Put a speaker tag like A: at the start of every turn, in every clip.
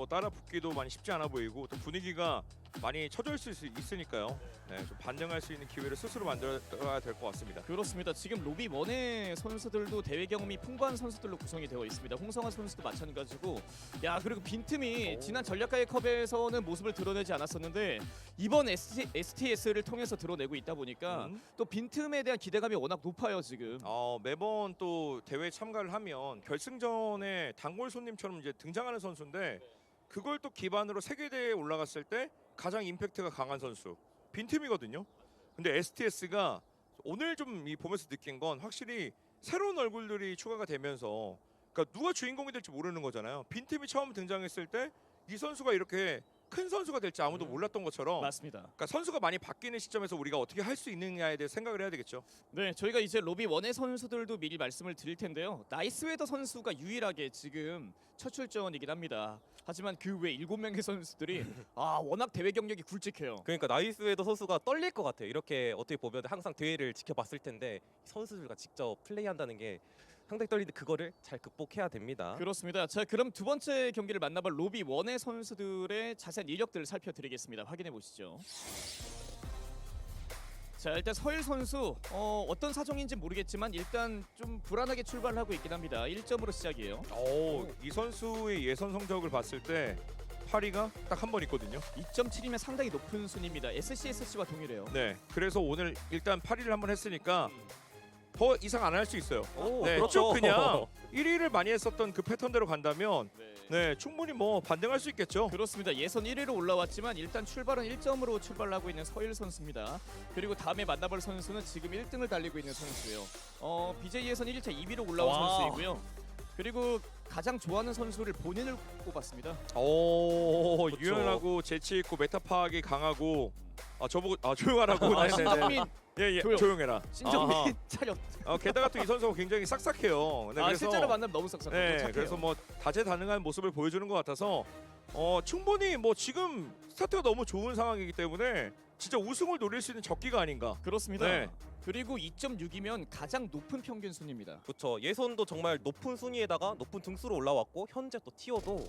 A: 뭐 따라 붙기도 많이 쉽지 않아 보이고 또 분위기가 많이 처져 있을 수 있으니까요. 네, 좀 반등할 수 있는 기회를 스스로 만들어야 될 것 같습니다.
B: 그렇습니다. 지금 로비 원의 선수들도 대회 경험이 풍부한 선수들로 구성이 되어 있습니다. 홍성환 선수도 마찬가지고, 야 그리고 빈틈이 지난 전략가의 컵에서는 모습을 드러내지 않았었는데 이번 STS를 통해서 드러내고 있다 보니까 또 빈틈에 대한 기대감이 워낙 높아요 지금.
A: 매번 또 대회에 참가를 하면 결승전에 단골 손님처럼 이제 등장하는 선수인데 그걸 또 기반으로 세계대회에 올라갔을 때 가장 임팩트가 강한 선수 빈틈이거든요. 근데 STS가 오늘 좀 보면서 느낀 건 확실히 새로운 얼굴들이 추가가 되면서 그러니까 누가 주인공이 될지 모르는 거잖아요. 빈틈이 처음 등장했을 때 이 선수가 이렇게 큰 선수가 될지 아무도 몰랐던 것처럼
B: 맞습니다.
A: 그러니까 선수가 많이 바뀌는 시점에서 우리가 어떻게 할 수 있느냐에 대해 생각을 해야 되겠죠.
B: 네, 저희가 이제 로비 원의 선수들도 미리 말씀을 드릴 텐데요. 나이스웨더 선수가 유일하게 지금 첫 출전이긴 합니다. 하지만 그 외 7명의 선수들이 워낙 대회 경력이 굵직해요.
C: 그러니까 나이스웨더 선수가 떨릴 것 같아요. 이렇게 어떻게 보면 항상 대회를 지켜봤을 텐데 선수들과 직접 플레이한다는 게 상당히 떨리는데 그거를 잘 극복해야 됩니다.
B: 그렇습니다. 자, 그럼 두 번째 경기를 만나볼 로비 원의 선수들의 자세한 이력들을 살펴드리겠습니다. 확인해 보시죠. 자, 일단 서일 선수 어떤 사정인지 모르겠지만 일단 좀 불안하게 출발을 하고 있긴 합니다. 1점으로 시작이에요.
A: 이 선수의 예선 성적을 봤을 때 8위가 딱 한 번 있거든요.
B: 2.7이면 상당히 높은 순위입니다. SCSC와 동일해요.
A: 네, 그래서 오늘 일단 8위를 한번 했으니까 더 이상 안 할 수 있어요. 네,
C: 그렇죠.
A: 쭉 그냥 1위를 많이 했었던 그 패턴대로 간다면 네, 충분히 뭐 반등할 수 있겠죠.
B: 그렇습니다. 예선 1위로 올라왔지만 일단 출발은 1점으로 출발을 하고 있는 서일 선수입니다. 그리고 다음에 만나볼 선수는 지금 1등을 달리고 있는 선수예요. BJ 예선 1일차 2위로 올라온
C: 와.
B: 선수이고요. 그리고 가장 좋아하는 선수를 본인을 꼽았습니다.
A: 그렇죠. 유연하고 재치 있고 메타 파악이 강하고 저보고 조용하라고.
B: 신정민
A: 예,
B: 조용.
A: 조용해라.
B: 신정민 차렷.
A: 게다가 또 이 선수가 굉장히 싹싹해요. 네, 그래서
B: 실제로 만나면 너무 싹싹하고
A: 네,
B: 착해요.
A: 그래서 뭐 다재다능한 모습을 보여주는 것 같아서 충분히 뭐 지금 스타트가 너무 좋은 상황이기 때문에 진짜 우승을 노릴 수 있는 적기가 아닌가.
B: 그렇습니다.
A: 네.
B: 그리고 2.6이면 가장 높은 평균 순입니다.
C: 그렇죠. 예선도 정말 높은 순위에다가 높은 등수로 올라왔고 현재 또 티어도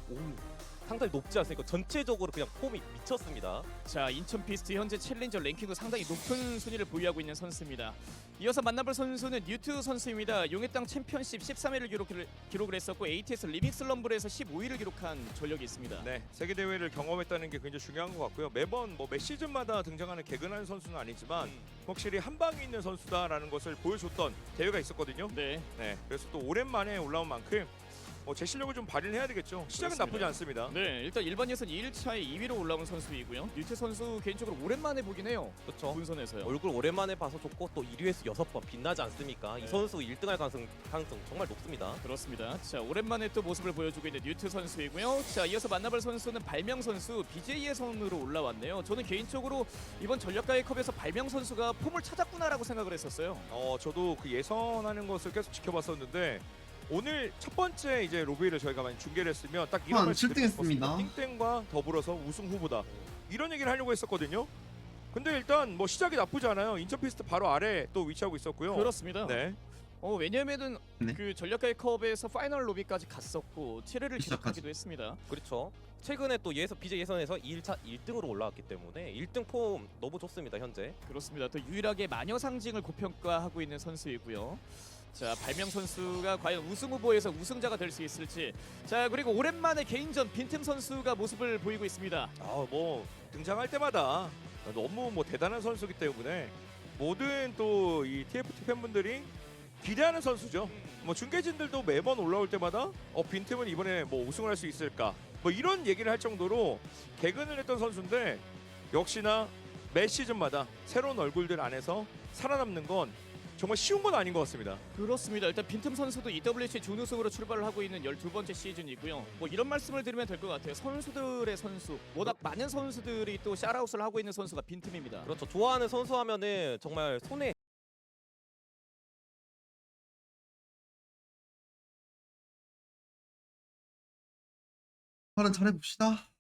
C: 상당히 높지 않습니까? 전체적으로 그냥 폼이 미쳤습니다.
B: 자, 인천 피스트 현재 챌린저 랭킹도 상당히 높은 순위를 보유하고 있는 선수입니다. 이어서 만나볼 선수는 뉴트 선수입니다. 용의 땅 챔피언십 13회를 기록을 했었고 ATS 리믹스 럼블에서 15위를 기록한 전력이 있습니다.
A: 네, 세계 대회를 경험했다는 게 굉장히 중요한 것 같고요. 매번 매 시즌마다 등장하는 개근하는 선수는 아니지만 확실히 한 방이 있는 선수다라는 것을 보여줬던 대회가 있었거든요.
B: 네.
A: 네, 그래서 또 오랜만에 올라온 만큼 제 실력을 좀 발휘를 해야 되겠죠. 시작은
B: 그렇습니다.
A: 나쁘지 않습니다.
B: 네, 일단 일반 예선 2일차에 2위로 올라온 선수이고요. 뉴트 선수 개인적으로 오랜만에 보긴 해요.
C: 그렇죠.
B: 본선에서요.
C: 얼굴 오랜만에 봐서 좋고 또 1위에서 6번 빛나지 않습니까?
B: 네.
C: 이 선수 1등할 가능성 정말 높습니다.
B: 그렇습니다. 자, 오랜만에 또 모습을 보여주고 있는 뉴트 선수이고요. 자, 이어서 만나볼 선수는 발명 선수 BJ 예선으로 올라왔네요. 저는 개인적으로 이번 전략가의 컵에서 발명 선수가 폼을 찾았구나라고 생각을 했었어요.
A: 저도 그 예선하는 것을 계속 지켜봤었는데 오늘 첫 번째 이제 로비를 저희가 많이 중계를 했으면 딱 이런 말씀
D: 7등 했습니다.
A: 땡땡과 더불어서 우승 후보다 이런 얘기를 하려고 했었거든요. 근데 일단 뭐 시작이 나쁘지 않아요. 인천 피스트 바로 아래 또 위치하고 있었고요.
B: 그렇습니다.
A: 네.
B: 왜냐면은
D: 네.
B: 그 전략가의 컵에서 파이널 로비까지 갔었고 7회를
D: 시작하지.
B: 기록하기도 했습니다.
C: 그렇죠. 최근에 또 BJ 예선에서 2일차 1등으로 올라왔기 때문에 1등 폼 너무 좋습니다. 현재.
B: 그렇습니다. 또 유일하게 마녀 상징을 고평가하고 있는 선수이고요. 자, 발명 선수가 과연 우승 후보에서 우승자가 될 수 있을지. 자, 그리고 오랜만에 개인전 빈틈 선수가 모습을 보이고 있습니다.
A: 뭐 등장할 때마다 너무 뭐 대단한 선수기 때문에 모든 또 이 TFT 팬분들이 기대하는 선수죠. 뭐 중계진들도 매번 올라올 때마다 빈틈은 이번에 뭐 우승을 할 수 있을까? 뭐 이런 얘기를 할 정도로 개근을 했던 선수인데 역시나 매 시즌마다 새로운 얼굴들 안에서 살아남는 건 정말 쉬운 건 아닌 것 같습니다.
B: 그렇습니다. 일단 빈틈 선수도 EWC 준우승으로 출발을 하고 있는 12번째 시즌이고요. 뭐 이런 말씀을 드리면 될 것 같아요. 선수들의 선수, 워낙 많은 선수들이 또 샤라웃을 하고 있는 선수가 빈틈입니다.
C: 그렇죠. 좋아하는 선수 하면은 정말 손에
D: 한번 잘해봅시다.